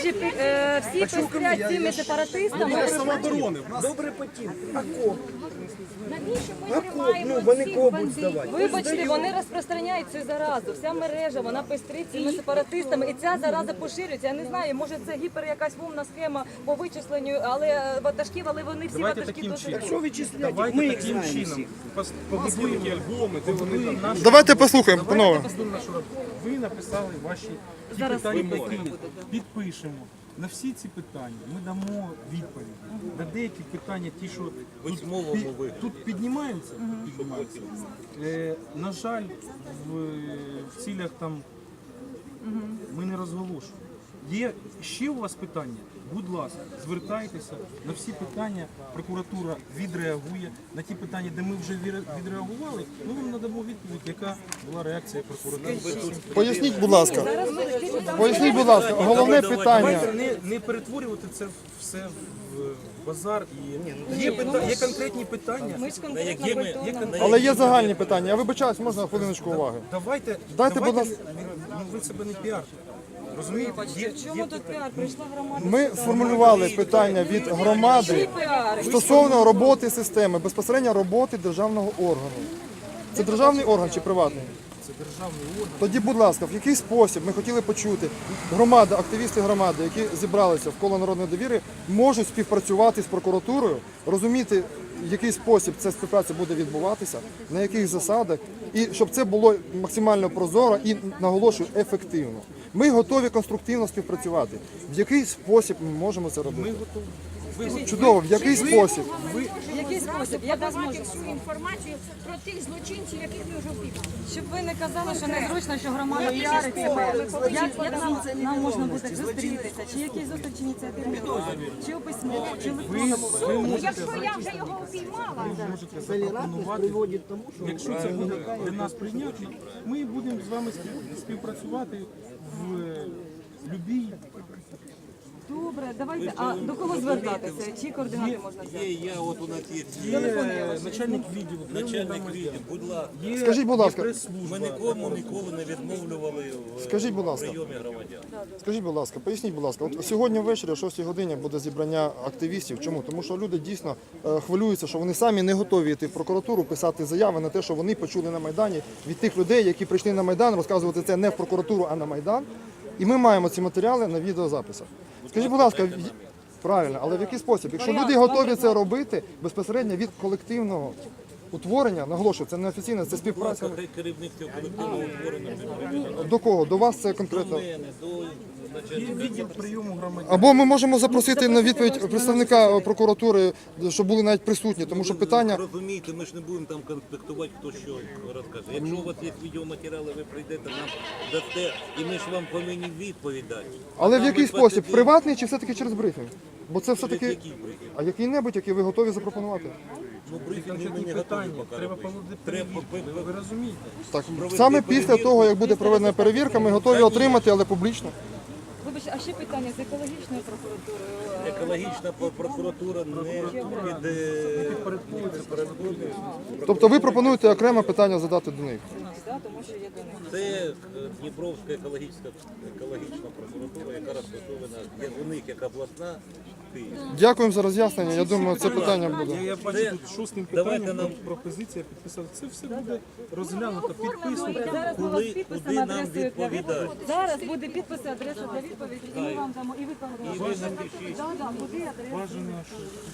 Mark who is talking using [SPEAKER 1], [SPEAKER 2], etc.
[SPEAKER 1] всі пестрять цими сепаратистами.
[SPEAKER 2] Добре потім. А кого?
[SPEAKER 3] Навіщо ми
[SPEAKER 2] А
[SPEAKER 3] тримаємо
[SPEAKER 2] ну, вони
[SPEAKER 3] цих
[SPEAKER 2] кого будуть
[SPEAKER 3] бандитів?
[SPEAKER 2] здавати?
[SPEAKER 1] Вибачте, вони розпространяють цю заразу. Вся мережа, вона пестрить цими сепаратистами. І ця зараза поширюється. Я не знаю, може це гіпер якась умна схема по вичисленню, але ватажків, але вони всі
[SPEAKER 4] Давайте
[SPEAKER 1] ватажки
[SPEAKER 4] таким
[SPEAKER 1] досить.
[SPEAKER 4] чином.
[SPEAKER 2] Що ви числяєте?
[SPEAKER 4] Давайте
[SPEAKER 2] Ми їх
[SPEAKER 4] таким
[SPEAKER 2] знаємо
[SPEAKER 4] чином
[SPEAKER 2] всіх.
[SPEAKER 4] побудуємо альбоми, де вони там наші.
[SPEAKER 5] Давайте послухаємо, панове.
[SPEAKER 4] Ви написали ваші ті питання, які підпишемо. На всі ці питання ми дамо відповіді. На деякі питання, ті, що тут піднімаються, на жаль, в цілях там ми не розголошуємо. Є ще у вас питання? Будь ласка, звертайтеся на всі питання. Прокуратура відреагує. На ті питання, де ми вже відреагували, ми вам надамо відповідь, яка була реакція прокуратури.
[SPEAKER 5] Поясніть, будь ласка. Поясніть, будь ласка, головне питання.
[SPEAKER 4] Давайте не перетворювати це все в базар. І є конкретні питання.
[SPEAKER 1] Ми ж конкретно культурно.
[SPEAKER 5] Але є загальні питання. Я вибачаюсь, можна хвилиночку уваги. Дайте, будь ласка.
[SPEAKER 4] Ви себе не піарте. Розумієте?
[SPEAKER 1] В чому тут піар? Прийшла громада.
[SPEAKER 5] Ми сформулювали питання від громади стосовно роботи системи, безпосередньо роботи державного органу. Це державний орган чи приватний?
[SPEAKER 4] Це державний орган.
[SPEAKER 5] Тоді, будь ласка, в який спосіб ми хотіли почути, громада, активісти громади, які зібралися в коло народної довіри, можуть співпрацювати з прокуратурою, розуміти, в який спосіб ця співпраця буде відбуватися, на яких засадах, і щоб це було максимально прозоро і, наголошую, ефективно. Ми готові конструктивно співпрацювати. В який спосіб ми можемо це робити? Чудово, в який спосіб?
[SPEAKER 1] В який спосіб? Як ви зможете?
[SPEAKER 3] Всю інформацію про тих злочинців, яких ми вже впіймали.
[SPEAKER 1] Щоб ви не казали, що незручно, що громада піарить себе. Як нам можна буде зустрітися? Чи якісь зустрічі ініціативні групи? Чи у письмово, чи в електронному?
[SPEAKER 3] Якщо я вже його впіймала,
[SPEAKER 4] Ви можете запропонувати, якщо це буде для нас прийнятно, ми будемо з вами співпрацювати в любій.
[SPEAKER 1] Добре, давайте. А до кого звертатися? Чиї координати можна взяти?
[SPEAKER 6] Я от у нас є
[SPEAKER 4] Є начальник відділу.
[SPEAKER 6] начальник відділу, будь ласка.
[SPEAKER 5] Скажіть, будь ласка,
[SPEAKER 6] Ми нікому ніколи не відмовлювали в
[SPEAKER 5] скажіть, будь ласка,
[SPEAKER 6] прийомі громадян.
[SPEAKER 5] скажіть, будь ласка, поясніть, будь ласка, от сьогодні ввечері о 6 годині буде зібрання активістів. Чому? Тому що люди дійсно хвилюються, що вони самі не готові йти в прокуратуру, писати заяви на те, що вони почули на Майдані від тих людей, які прийшли на Майдан, розказувати це не в прокуратуру, а на Майдан. І ми маємо ці матеріали на відеозаписах. Скажіть, будь ласка, правильно, але в який спосіб? Якщо люди готові це робити безпосередньо від колективного утворення, наголошую, це не офіційне, це співпраця.
[SPEAKER 6] Хай керівник цього колективного утворення
[SPEAKER 5] До кого? До вас це конкретно?
[SPEAKER 4] Є відділ прийому громадян.
[SPEAKER 5] Або ми можемо запросити на відповідь представника прокуратури, щоб були навіть присутні, тому що питання...
[SPEAKER 6] Розумієте, ми ж не будемо там конспектувати, хто що розкаже. Якщо у вас є відеоматеріали, ви прийдете, нам дасте, і ми ж вам повинні відповідь дати.
[SPEAKER 5] Але в який спосіб? Приватний чи все-таки через брифінг? Бо це все-таки...
[SPEAKER 6] Який брифінг?
[SPEAKER 5] А який-небудь, який ви готові запропонувати?
[SPEAKER 6] Ну, брифінг ми
[SPEAKER 4] Конкретні
[SPEAKER 6] не готові
[SPEAKER 4] питання.
[SPEAKER 6] поки
[SPEAKER 4] Треба
[SPEAKER 6] робити.
[SPEAKER 4] проводити. Ви розумієте?
[SPEAKER 5] Так, саме після того, як буде проведена перевірка, ми готові отримати, але публічно.
[SPEAKER 1] Вибачте, а ще питання з екологічною прокуратурою.
[SPEAKER 6] Екологічна прокуратура не підпорядковується.
[SPEAKER 5] Тобто ви пропонуєте окреме питання задати до них?
[SPEAKER 1] Тому що є до них.
[SPEAKER 6] Це Дніпровська екологічна прокуратура, яка розташована, є у них як обласна в Києві.
[SPEAKER 5] Дякуємо за роз'яснення. Я думаю, це питання буде.
[SPEAKER 4] Я бачу тут шостим
[SPEAKER 6] Давайте
[SPEAKER 4] питанням
[SPEAKER 6] нам-
[SPEAKER 4] пропозиція підписати. Це все буде розглянуто,
[SPEAKER 1] Зараз
[SPEAKER 4] підписано.
[SPEAKER 1] ми вас
[SPEAKER 6] Куди
[SPEAKER 1] підписами
[SPEAKER 6] нам
[SPEAKER 1] адресою для
[SPEAKER 6] відповідати?
[SPEAKER 1] відповіді. Зараз буде підпис і адреса для відповіді, і ми вам дамо, і ви
[SPEAKER 6] І ви напишіть.
[SPEAKER 1] куди адреса?
[SPEAKER 4] Бажано, що